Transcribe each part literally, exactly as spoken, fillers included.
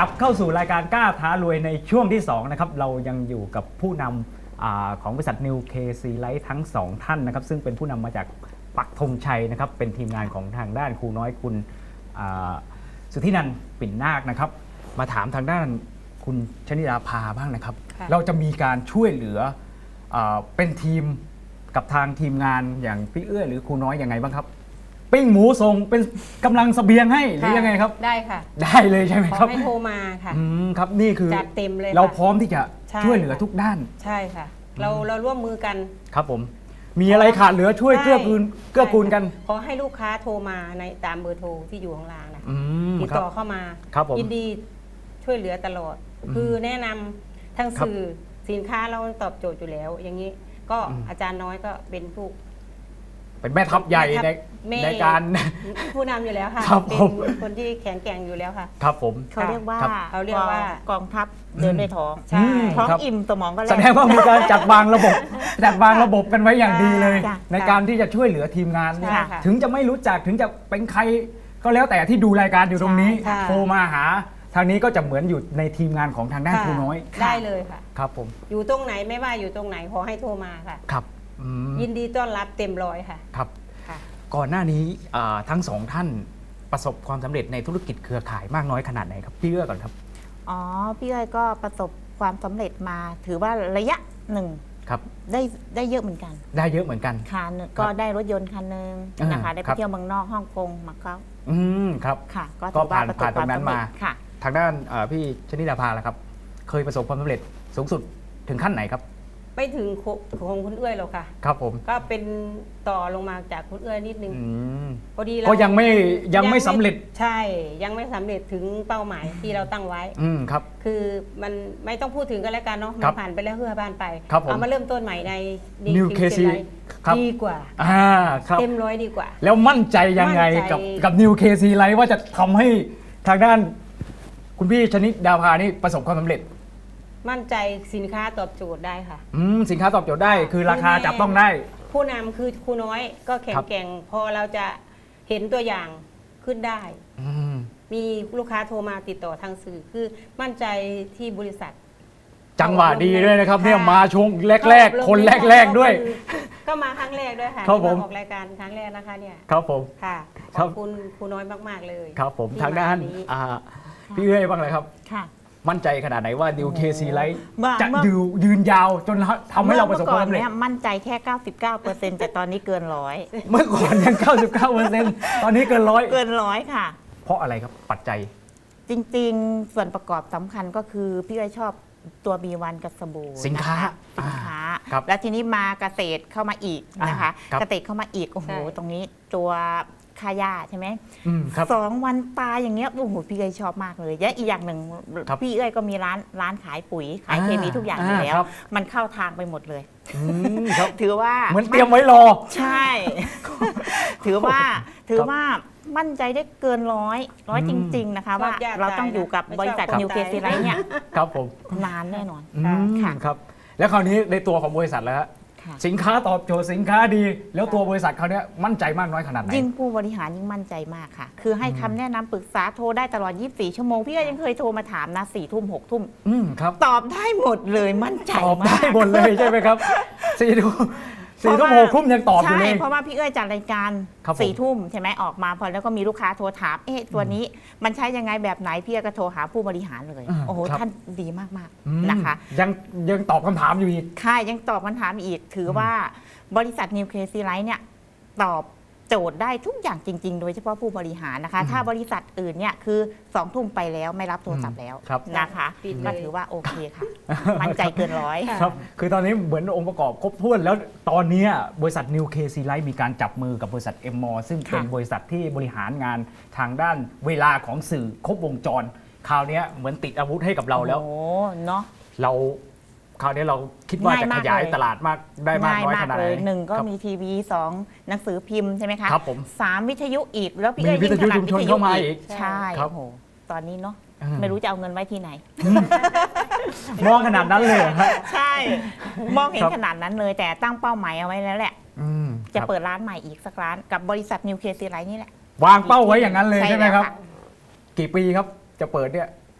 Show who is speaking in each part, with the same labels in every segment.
Speaker 1: ลับเข้าสู่รายการกล้าท้ารวยในช่วงที่สองนะครับเรายังอยู่กับผู้นำอาของบริษัท New เค ซี Life ทั้งสองท่านนะครับซึ่งเป็นผู้นำมาจากปักธงชัยนะครับเป็นทีมงานของทางด้านครูน้อยคุณสุทธินันท์ปิ่นนาคนะครับมาถามทางด้านคุณชนิดาภาบ้างนะครับเราจะมีการช่วยเหลือเป็นทีมกับทางทีมงานอย่างพี่เอื้อหรือครูน้อยยังไงบ้างครับปิ้งหมูส่งเป็นกำลังเสบียงให้หรือยังไงครับ
Speaker 2: ได้ค่ะ
Speaker 1: ได้เลยใช่ไหมครับ
Speaker 2: ขอให้โทรมาค่ะ
Speaker 1: อืมครับนี่คือ
Speaker 2: จัดเต็มเลย
Speaker 1: เราพร้อมที่จะช่วยเหลือทุกด้าน
Speaker 2: ใช่ค่ะเราเราร่วมมือกัน
Speaker 1: ครับผมมีอะไรขาดเหลือช่วยเกื้อกูลเกื้อกูลกัน
Speaker 2: ขอให้ลูกค้าโทรมาในตามเบอร์โทรที่อยู่ข้างล่างนะติดต่อเข้ามายินดีช่วยเหลือตลอดคือแนะนำทั้งสื่อสินค้าเราตอบโจทย์อยู่แล้วอย่างนี้ก็อาจารย์น้อยก็เป็นผู้
Speaker 1: เป็นแม่ทัพใหญ่ในในการ
Speaker 2: ผู้นำอยู่แล้วค่ะเป็นคนที่แข็งแกร่งอยู่แล้วค่ะ
Speaker 1: ครับผม
Speaker 3: เขาเรียกว่า
Speaker 2: เขาเรียกว่าก
Speaker 3: องทัพเดินด้วยท้องท้องอิ่มสมองก็แล่น
Speaker 1: แสดงว่ามีการจัดวางระบบจัดวางระบบกันไว้อย่างดีเลยในการที่จะช่วยเหลือทีมงานถึงจะไม่รู้จักถึงจะเป็นใครก็แล้วแต่ที่ดูรายการอยู่ตรงนี้โทรมาหาทางนี้ก็จะเหมือนอยู่ในทีมงานของทางด้านครูน้อย
Speaker 2: ได้เลยค่ะ
Speaker 1: ครับผม
Speaker 2: อยู่ตรงไหนไม่ว่าอยู่ตรงไหนขอให้โทรมาค่ะ
Speaker 1: ครับ
Speaker 2: ยินดีต้อนรับเต็มร้อยค่ะ
Speaker 1: ครับก่อนหน้านี้ทั้งสองท่านประสบความสำเร็จในธุรกิจเครือข่ายมากน้อยขนาดไหนครับพี่เอื้อก่อนครับ
Speaker 3: อ๋อพี่เอื้อก็ประสบความสำเร็จมาถือว่าระยะหนึ่ง
Speaker 1: ครับ
Speaker 3: ได้ได้เยอะเหมือนกัน
Speaker 1: ได้เยอะเหมือนกัน
Speaker 3: ค่ะก็ได้รถยนต์คันหนึ่งนะคะได้ไปเที่ยวเมืองนอกฮ่องกงมาเก๊า
Speaker 1: อืมครับ
Speaker 3: ค่ะ
Speaker 1: ก็ผ่านผ่านตรงนั้นมาค่ะทางด้านพี่ชนิดาภาล่ะครับเคยประสบความสำเร็จสูงสุดถึงขั้นไหนครับ
Speaker 2: ไม่ถึงของคุณเอื้อยหรอกค่ะ
Speaker 1: ครับผม
Speaker 2: ก็เป็นต่อลงมาจากคุณเอื้อยนิดนึง
Speaker 1: พอดีก็ยังไม่ยังไม่สำเร็จ
Speaker 2: ใช่ยังไม่สำเร็จถึงเป้าหมายที่เราตั้งไว้
Speaker 1: อืมครับ
Speaker 2: คือมันไม่ต้องพูดถึงกันแล้วกันเนาะมันผ่านไปแล้วเพื่อบ้านไป
Speaker 1: เอา
Speaker 2: มาเริ่มต้นใหม่ใน
Speaker 1: New เค ซี
Speaker 2: ดีกว่าเต็มร้อยดีกว่า
Speaker 1: แล้วมั่นใจยังไงกับกับ New เค ซี Life ว่าจะทำให้ทางด้านคุณพี่ชนิดาภานี่ประสบความสำเร็จ
Speaker 2: มั่นใจสินค้าตอบโจทย์ได้ค่ะ
Speaker 1: อืมสินค้าตอบโจทย์ได้คือราคาจับต้องได้
Speaker 2: ผู้นำคือครูน้อยก็แข็งแกร่งพอเราจะเห็นตัวอย่างขึ้นได้มีลูกค้าโทรมาติดต่อทางสื่อคือมั่นใจที่บริษัท
Speaker 1: จังหวะดีด้วยนะครับเนี่ยมาช่วงแรกๆคนแรกๆด้วย
Speaker 2: ก็มาครั้งแรกด้วยค่ะ
Speaker 1: ที่มา
Speaker 2: ออกรายการครั้งแรกนะคะเนี่ย
Speaker 1: ครับผม
Speaker 2: ค่ะขอบคุณครูน้อยมากๆเลย
Speaker 1: ครับผมทางด้านพี่เอ้ยบ้างเลยครับค่ะมั่นใจขนาดไหนว่า New เค ซี Life จะยืนยืนยาวจนทำให้เราประสบความสำเร็จ
Speaker 3: มั่นใจแค่ เก้าสิบเก้าเปอร์เซ็นต์ แต่ตอนนี้เกินร้อย
Speaker 1: เมื่อก่อนยัง เก้าสิบเก้าเปอร์เซ็นต์ ตอนนี้เกินร้อย
Speaker 3: เกินร้อยค่ะ
Speaker 1: เพราะอะไรครับปัจจัย
Speaker 3: จริงๆส่วนประกอบสำคัญก็คือพี่อ้อยชอบตัว บี วัน กับสบู่
Speaker 1: สินค้า
Speaker 3: สินค้าแล้วทีนี้มาเกษตรเข้ามาอีกนะคะเกษตรเข้ามาอีกโอ้โหตรงนี้ตัวค่าหญ้าใช่ไหมสองวันตายอย่างเงี้ยโอ้โหพี่เอ้ยชอบมากเลยและอีกอย่างหนึ่งพี่เอ้ยก็มีร้านร้านขายปุ๋ยขายเคมีทุกอย่างอยู่แล้วมันเข้าทางไปหมดเลยถือว่า
Speaker 1: เหมือนเตรียมไว้รอ
Speaker 3: ใช่ถือว่าถือว่ามั่นใจได้เกินร้อยร้อยจริงๆนะคะว่าเราต้องอยู่กับบริษัท New เค ซี Life เนี่ย
Speaker 1: ครับผม
Speaker 3: นานแน่นอน
Speaker 1: ค่ะครับแล้วคราวนี้ในตัวของบริษัทแล้วสินค้าตอบโจทย์สินค้าดีแล้วตัวบริษัทเขาเนี้ยมั่นใจมากน้อยขนาดไหน
Speaker 3: ยิ่งผู้บริหารยิ่งมั่นใจมากค่ะคือให้คำแนะนำปรึกษาโทรได้ตลอดยี่สิบสี่ชั่วโมงพี่ก็ยังเคยโทรมาถามนะสี่ทุ่มหกทุ่มตอบได้หมดเลยมั่นใจ
Speaker 1: ตอบได้หมดเลยใช่ไหมครับสี่ทุ่มสี่ทุ่มหกทุ่มยังตอบอยู่เลย
Speaker 3: ใช่เพราะว่าพี่เอ้ยจัดรายการสี่ทุ่มใช่ไหมออกมาพอแล้วก็มีลูกค้าโทรถามเอ๊ะตัวนี้มันใช้ยังไงแบบไหนพี่ก็โทรหาผู้บริหารเลยโอ้โหท่านดีมากๆนะคะ
Speaker 1: ยังยังตอบคำถามอยู่อีก
Speaker 3: ค่ะยังตอบคำถามอีกถือว่าบริษัท New เค ซี Life เนี่ยตอบโจทย์ได้ทุกอย่างจริงๆโดยเฉพาะผู้บริหารนะคะถ้าบริษัทอื่นเนี่ยคือสองทุ่มไปแล้วไม่รับโทรศัพท์แล้วนะคะก็ถือว่าโอเคค่ะมั่นใจเกินร้อย
Speaker 1: ครับคือตอนนี้เหมือนองค์ประกอบครบถ้วนแล้วตอนนี้บริษัท New เค ซี Life มีการจับมือกับบริษัท เอ็ม มอ ซึ่งเป็นบริษัทที่บริหารงานทางด้านเวลาของสื่อครบวงจรคราวนี้เหมือนติดอาวุธให้กับเราแล้ว
Speaker 3: โอ้เนาะ
Speaker 1: เราคราวนี้เราคิดว่าจะขยายตลาดมากได้มากน้อยขนาดไหน
Speaker 3: หนึ่งก็มีทีวีสองหนังสือพิมพ์ใช่ไหมคะ
Speaker 1: ครับผม
Speaker 3: สามวิทยุอีกแล้วพี่
Speaker 1: เอ้ยยิ่งถนัดวิทยุเข้ามาอีก
Speaker 3: ใช่ครับโหตอนนี้เนาะไม่รู้จะเอาเงินไว้ที่ไหน
Speaker 1: มองขนาดนั้นเลย
Speaker 3: ใช่มองเห็นขนาดนั้นเลยแต่ตั้งเป้าหมายเอาไว้แล้วแหละจะเปิดร้านใหม่อีกสักร้านกับบริษัท New เค ซี Life นี่แหละ
Speaker 1: วางเป้าไว้อย่างนั้นเลยใช่ไหมครับกี่ปีครับจะเปิดเนี่ย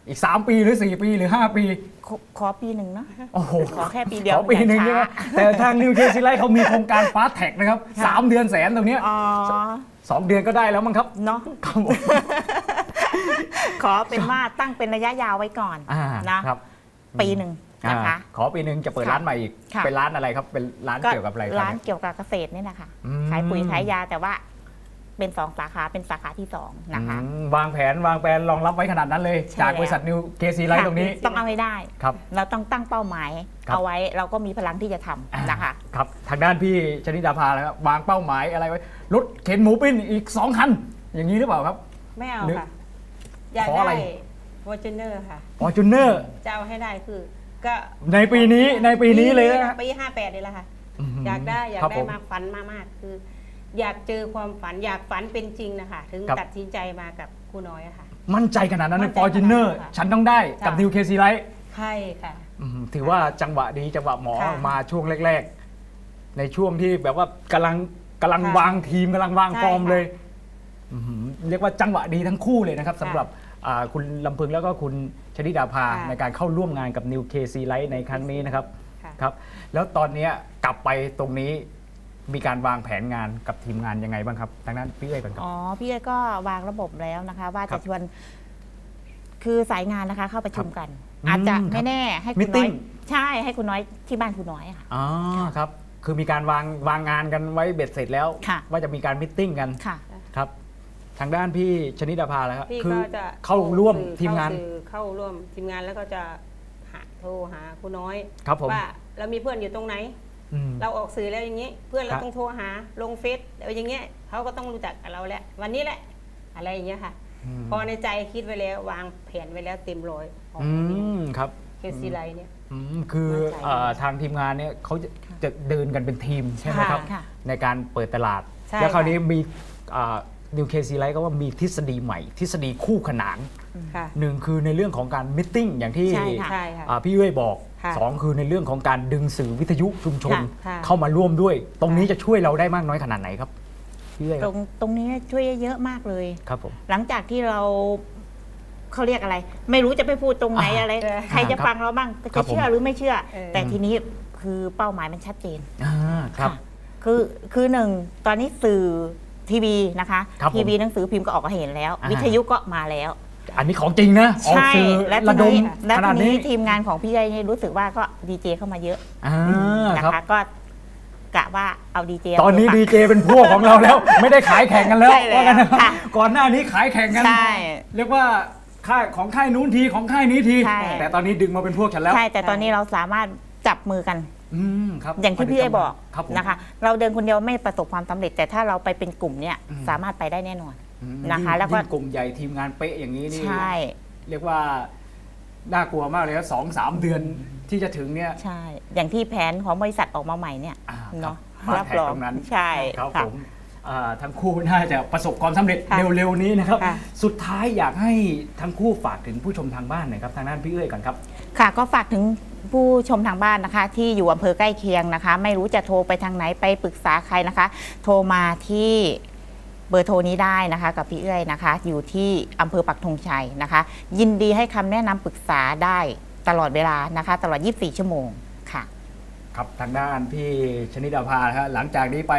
Speaker 1: อีกสามปีหรือสี่ปีหรือห้าปี
Speaker 3: ขอขอปีหนึ่งเนาะ
Speaker 1: โอ้โห
Speaker 3: ขอแค่ปีเดียว
Speaker 1: ขอปีหนึ่ง
Speaker 3: อย่า
Speaker 1: ใช่ไหม
Speaker 3: ช้า
Speaker 1: แต่ทางนิวเคซีไลท์เขามีโครงการฟาสแท็กนะครับ
Speaker 3: ค่ะ
Speaker 1: สามเดือนแสนตรงเนี้ย
Speaker 3: อ๋อ
Speaker 1: สองเดือนก็ได้แล้วมั้งครับ
Speaker 3: เนาะ
Speaker 1: ครับผม
Speaker 3: ขอเป็นว่าตั้งเป็นระยะยาวไว้ก่อน
Speaker 1: อ่า
Speaker 3: นะครับ ปีหนึ่งนะคะ
Speaker 1: อ่าขอปีหนึ่งจะเปิด
Speaker 3: ค่ะ
Speaker 1: ร้านใหม่อีก
Speaker 3: ค่ะ
Speaker 1: เป็นร้านอะไรครับเป็นร้านเกี่ยวกับอะไรครับ
Speaker 3: ร้านเกี่ยวกับเกษตรนี่แหละค่ะ
Speaker 1: อืม
Speaker 3: ขายปุ๋ยขายยาแต่ว่าเป็นสองสาขาเป็นสาขาที่สองนะคะ
Speaker 1: อืมวางแผนวางแผนรองรับไว้ขนาดนั้นเลย
Speaker 3: ใช่
Speaker 1: จากบริษัทนิวเคซีไลท์
Speaker 3: ค่ะ
Speaker 1: ตรงนี้
Speaker 3: ต้องเอาให้ได้
Speaker 1: ครับ
Speaker 3: เราต้องตั้งเป้าหมาย
Speaker 1: ครับ
Speaker 3: เอาไว้เราก็มีพลังที่จะทำนะคะ
Speaker 1: ครับทางด้านพี่ชนิดาภาแล้วครับวางเป้าหมายอะไรไว้รถเข็นหมูปิ้งอีกสองคัน อย่างนี้หรือเปล่าครับ
Speaker 2: ไม่เอา
Speaker 1: หรือ
Speaker 2: ค่ะ อยาก
Speaker 1: ขออะไร
Speaker 2: ได้วอร์จูเนอร์ค่ะ
Speaker 1: ฟอร์จูเนอร์
Speaker 2: จะเอาให้ได้คือ ก็
Speaker 1: ในปีนี้ในปีนี้เลยนะ
Speaker 2: ปีห้าแปดนี่แหละค่ะ
Speaker 1: ม
Speaker 2: อยากได้อยาก
Speaker 1: ครับ
Speaker 2: ได้
Speaker 1: ผม
Speaker 2: มากฝันมากๆคือ อยากเจอความฝันอยากฝันเป็นจริงนะคะถึง
Speaker 1: ครับ
Speaker 2: ตัดสินใจมากับครูน้อยอะค่ะ
Speaker 1: มั่นใจขนาดนั้น
Speaker 2: มั่
Speaker 1: ใน
Speaker 2: นใจ
Speaker 1: ฟอร์จูเนอร์
Speaker 2: ขนาดนั้นค่ะ
Speaker 1: ฉันต้องได้กับ
Speaker 2: ค่ะ
Speaker 1: นิวเคซีไลท์
Speaker 2: ใช่ค่ะ
Speaker 1: ถือว่าจังหวะดีจังหวะหมอ
Speaker 2: ค่ะ
Speaker 1: มาช่วงแรก ๆ ในช่วงที่แบบว่ากำลังกำลัง
Speaker 2: ค่ะ
Speaker 1: วางทีมกำลังวาง
Speaker 2: ใช่
Speaker 1: ฟอร์ม
Speaker 2: ค่ะ
Speaker 1: เลยอื้อหือเรียกว่าจังหวะดีทั้งคู่เลยนะครับ
Speaker 2: ค่ะ
Speaker 1: สำหรับอ่าคุณลำพึงแล้วก็คุณชนิดาภา
Speaker 2: ค่ะ
Speaker 1: ในการเข้าร่วมงานกับนิวเคซีไลท์ในครั้งนี้นะครับ
Speaker 2: ค่ะ
Speaker 1: ครับแล้วตอนเนี้ยกลับไปตรงนี้มีการวางแผนงานกับทีมงานยังไงบ้างครับทางด้านพี่เอ้ยก่อนครับ
Speaker 3: อ๋อพี่เอ้ยก็วางระบบแล้วนะคะ ว่า
Speaker 1: ครั
Speaker 3: จะ
Speaker 1: บ
Speaker 3: ชวนคือสายงานนะคะเข้าประชุมกัน
Speaker 1: อืม
Speaker 3: อาจจะ
Speaker 1: ครับ
Speaker 3: ไม่แน่ให้คุณน้อย
Speaker 1: Meeting
Speaker 3: ใช่ให้คุณน้อยที่บ้านคุณน้อยอะค่ะ
Speaker 1: อ๋อครับ คือมีการวางวางงานกันไว้เบ็ดเสร็จแล้ว
Speaker 3: ค่ะ
Speaker 1: ว่าจะมีการมิทติ้งกัน
Speaker 3: ค่ะ
Speaker 1: ครับ ทางด้านพี่ชนิดาภาแล้วครับ
Speaker 2: พี่
Speaker 1: คื
Speaker 2: ก็
Speaker 1: อ
Speaker 2: จะ
Speaker 1: เข้าร่วม
Speaker 2: สื่อ
Speaker 1: ทีมงาน
Speaker 2: เข้สื่อเข้าร่วมทีมงานแล้วก็จะหาโทรหาครูน้อย
Speaker 1: ครับผม
Speaker 2: ว่าเรามีเพื่อนอยู่ตรงไหน
Speaker 1: อืม
Speaker 2: เราออกสื่อแล้วอย่างนี้ เพื่อนเรา
Speaker 1: ครับ
Speaker 2: ต้องโทรหาลงเฟซเอาอย่างเงี้ยเขาก็ต้องรู้จักกับเราแล้ววันนี้แหละ อะไรอย่างเงี้ยค่ะ
Speaker 1: ม
Speaker 2: พอในใจคิดไว้แล้ววางแผนไว้แล้วเต็มร้อยของ
Speaker 1: อืมครับ
Speaker 2: เคซีไลท์เนี่ย
Speaker 1: อืมคือ
Speaker 2: มั่นใจ
Speaker 1: เอ่อทางทีมงานเนี่ยเขาจะจะเดินกันเป็นทีมใช่ไหมครับ
Speaker 3: ค่ะ
Speaker 1: ในการเปิดตลาด
Speaker 2: ใช่
Speaker 1: แล้วคราว
Speaker 2: ค่ะ
Speaker 1: นี้มีนิวเคซีไลท์ก็ว่ามีทฤษฎีใหม่ ทฤษฎีคู่ขนาน
Speaker 2: ค่ะ
Speaker 1: หนึ่งคือในเรื่องของการมิทติ้งอย่างที่
Speaker 3: ใช่ค่ะ
Speaker 2: ใช่ค่ะ
Speaker 1: อ่าพี่เอ้ยบอก
Speaker 2: ค่ะ
Speaker 1: สองคือในเรื่องของการดึงสื่อวิทยุชุมชน
Speaker 2: ค่ะ
Speaker 1: เข้ามาร่วมด้วย ตรงนี้จะช่วยเราได้มากน้อยขนาดไหนครับพี่เอ้ยค
Speaker 3: ต
Speaker 1: รั
Speaker 3: ร
Speaker 1: บ
Speaker 3: งตรงนี้ช่วยเยอะมากเลย
Speaker 1: ครับผม
Speaker 3: หลังจากที่เราเขาเรียกอะไร ไม่รู้จะไปพูดตรงไหน
Speaker 1: อ่า
Speaker 3: อะไร
Speaker 2: เออ
Speaker 3: ใครจะ
Speaker 1: ครับ
Speaker 3: ฟังเราบ้าง
Speaker 1: ครั
Speaker 3: จะ
Speaker 1: บผม
Speaker 3: เชื่อหรือไม่เชื่อ
Speaker 2: เออ
Speaker 3: แต่ทีนี้คือเป้าหมายมันชัดเจน
Speaker 1: อ่าครับ
Speaker 3: ค่ะคือคือหนึ่งตอนนี้สื่อทีวีนะคะ
Speaker 1: ครับผม
Speaker 3: ทีวีหนังสือพิมพ์ก็ออกมาเห็นแล้ว
Speaker 1: อ่า
Speaker 3: วิทยุก็มาแล้ว
Speaker 1: อันนี้ของจริงนะออก
Speaker 3: ใช่
Speaker 1: สื่อ
Speaker 3: และ
Speaker 1: ระ
Speaker 3: ที
Speaker 1: ดม
Speaker 3: นี้และ
Speaker 1: ข
Speaker 3: ที
Speaker 1: นาด
Speaker 3: นี้
Speaker 1: นี้
Speaker 3: ทีมงานของพี่ไอ้นี่รู้สึกว่าก็ดีเจเข้ามาเยอะ
Speaker 1: อ่า
Speaker 3: นะครับ คะก็กะว่าเอาดีเจ
Speaker 1: ตอนนี้ดีเจเป็นพวกของเราแล้ว ไม่ได้ขายแข่งกันแล้ว
Speaker 3: ใช่แล้ว
Speaker 1: ว่ากันนะครับ
Speaker 3: ค่ะ
Speaker 1: ก่อนหน้านี้ขายแข่งกัน
Speaker 3: ใช่
Speaker 1: เรียกว่าค่ายของค่ายนู้นทีของค่ายนี้ที
Speaker 3: ใช่
Speaker 1: แต่ตอนนี้ดึงมาเป็นพวกฉันแล้ว
Speaker 3: ใช่แต่ตอนนี้เราสามารถจับมือกัน
Speaker 1: อืมครับ
Speaker 3: อย่างที่พี่ไอ้บอก
Speaker 1: ครับผม
Speaker 3: นะคะ เราเดินคนเดียวไม่ประสบความสำเร็จ แต่ถ้าเราไปเป็นกลุ่มเนี่ย
Speaker 1: อืม
Speaker 3: สามารถไปได้แน่นอน
Speaker 1: อืม
Speaker 3: นะคะ
Speaker 1: ยิ่ง
Speaker 3: แล้วก็
Speaker 1: ยิ่งกลุ่มใหญ่ทีมงานเป๊ะอย่างนี้นี่
Speaker 3: ใช่
Speaker 1: เรียกว่าน่ากลัวมากเลยนะสองสามเดือนที่จะถึงเนี่ย
Speaker 3: ใช่ อย่างที่แผนของบริษัทออกมาใหม่เนี่ย
Speaker 1: อ่า
Speaker 3: เนาะ
Speaker 1: ครับ
Speaker 3: รับรอง
Speaker 1: ตรงนั้น
Speaker 3: ใช่
Speaker 1: ครับ
Speaker 3: ค่ะ
Speaker 1: ผมอ่าทั้งคู่น่าจะประสบความสำเร็จ
Speaker 2: ค่ะ
Speaker 1: เร็วๆนี้นะครับ
Speaker 2: ค่ะ
Speaker 1: สุดท้ายอยากให้ทั้งคู่ฝากถึงผู้ชมทางบ้านหน่อยครับทางด้านพี่เอ้ยก่อนครับ
Speaker 3: ค่ะก็ฝากถึงผู้ชมทางบ้านนะคะ ที่อยู่อำเภอใกล้เคียงนะคะ ไม่รู้จะโทรไปทางไหนไปปรึกษาใครนะคะ โทรมาที่เบอร์โทรนี้ได้นะคะ กับพี่เอ้ยนะคะ อยู่ที่อำเภอปักธงชัยนะคะ ยินดีให้คำแนะนำปรึกษาได้ตลอดเวลานะคะ ตลอด ยี่สิบสี่ ชั่วโมงค่ะ
Speaker 1: ครับทางด้านพี่ชนิดาภานะฮะหลังจากนี้ไป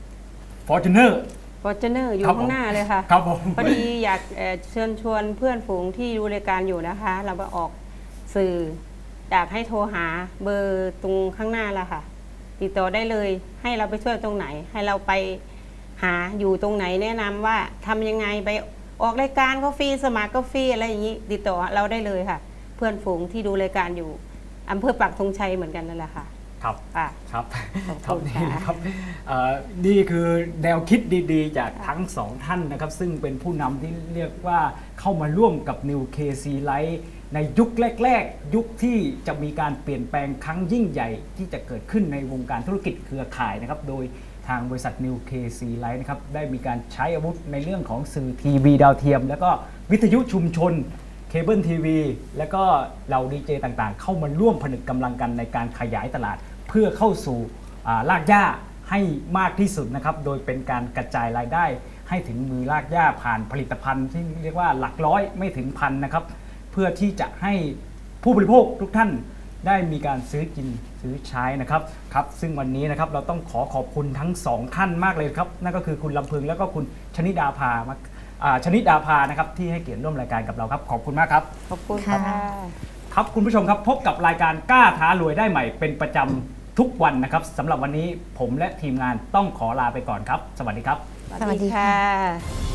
Speaker 1: Fortuner
Speaker 2: วอร์จูเนอร์อยู่
Speaker 1: ครับผม
Speaker 2: ข้างหน้าเลยค่ะ
Speaker 1: ครับผม
Speaker 2: พอดีอยากเอ่อเชิญชวนเพื่อนฝูงที่ดูรายการอยู่นะคะ เราไปออกสื่ออยากให้โทรหาเบอร์ตรงข้างหน้าละค่ะ ติดต่อได้เลย ให้เราไปช่วยตรงไหน ให้เราไปหาอยู่ตรงไหนแนะนำว่าทำยังไงไปออกรายการก็ฟรีสมัครก็ฟรีอะไรอย่างนี้ ติดต่อเราได้เลยค่ะ เพื่อนฝูงที่ดูรายการอยู่อำเภอปักธงชัยเหมือนกันนั่นแหละค่ะ
Speaker 1: ครับ
Speaker 2: ค่ะ
Speaker 1: ครับ
Speaker 2: ขอบ
Speaker 1: ครับ
Speaker 2: คุณ
Speaker 1: นี่
Speaker 2: ค่ะ
Speaker 1: นะครับเอ่อนี่คือแนวคิดดีๆ จากทั้งสองท่านนะครับ ซึ่งเป็นผู้นำที่เรียกว่าเข้ามาร่วมกับ New เค ซี Light ในยุคแรกๆ ยุคที่จะมีการเปลี่ยนแปลงครั้งยิ่งใหญ่ที่จะเกิดขึ้นในวงการธุรกิจเครือข่ายนะครับ โดยทางบริษัท New เค ซี Light นะครับได้มีการใช้อาวุธในเรื่องของสื่อทีวีดาวเทียม แล้วก็วิทยุชุมชน เคเบิลทีวีแล้วก็เราดีเจต่างๆ เข้ามาร่วมผนึกกำลังกันในการขยายตลาด เพื่อเข้าสู่อ่ารากหญ้าให้มากที่สุดนะครับ โดยเป็นการกระจายรายได้ ให้ถึงมือรากหญ้าผ่านผลิตภัณฑ์ที่เรียกว่าหลักร้อยไม่ถึงพันนะครับ เพื่อพื่อที่จะให้ผู้บริโภคทุกท่านได้มีการซื้อกินซื้อใช้นะครับครับซึ่งวันนี้นะครับเราต้องขอขอบคุณทั้งสองท่านมากเลยครับนั่นก็คือคุณลำพึงแล้วก็คุณชนิดาภาชนิดาภานะครับที่ให้เกียรติร่วมรายการกับเราครับขอบคุณมากครับ
Speaker 2: ขอบคุณค่ะ
Speaker 1: ครับคุณผู้ชมครับพบกับรายการกล้าท้ารวยได้ใหม่เป็นประจำทุกวันนะครับสำหรับวันนี้ผมและทีมงานต้องขอลาไปก่อนครับสวัสดีครับ
Speaker 2: สวัสดีค่ะ